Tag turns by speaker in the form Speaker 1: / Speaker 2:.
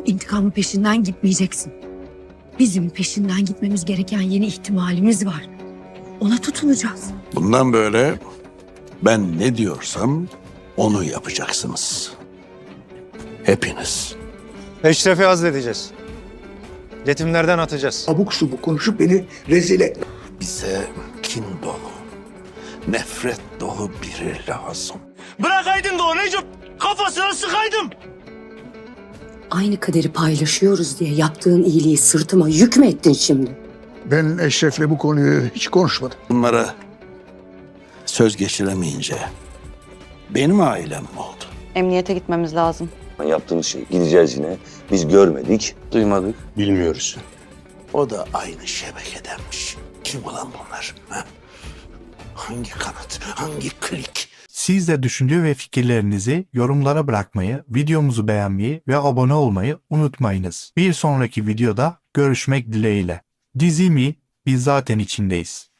Speaker 1: intikamın peşinden gitmeyeceksin. Bizim peşinden gitmemiz gereken yeni ihtimalimiz var. Ona tutunacağız.
Speaker 2: Bundan böyle ben ne diyorsam onu yapacaksınız. Hepiniz.
Speaker 3: Eşref'i azledeceğiz. Yetimlerden atacağız.
Speaker 4: Abuk subuk konuşup beni rezil et.
Speaker 2: Bize kin dolu, nefret dolu biri lazım.
Speaker 5: Bırakaydın da o Necip. Kafasına sıkaydım.
Speaker 1: Aynı kaderi paylaşıyoruz diye yaptığın iyiliği sırtıma yük mü ettin şimdi?
Speaker 4: Ben Eşref'le bu konuyu hiç konuşmadım.
Speaker 2: Bunlara söz geçiremeyince benim ailem mi oldu?
Speaker 6: Emniyete gitmemiz lazım.
Speaker 7: Yaptığımız şey gideceğiz yine. Biz görmedik.
Speaker 2: Duymadık.
Speaker 7: Bilmiyoruz.
Speaker 2: O da aynı şebekedenmiş. Kim ulan bunlar? Ha? Hangi kanat, hangi klik?
Speaker 8: Siz de düşünce ve fikirlerinizi yorumlara bırakmayı, videomuzu beğenmeyi ve abone olmayı unutmayınız. Bir sonraki videoda görüşmek dileğiyle. Dizi mi? Biz zaten içindeyiz.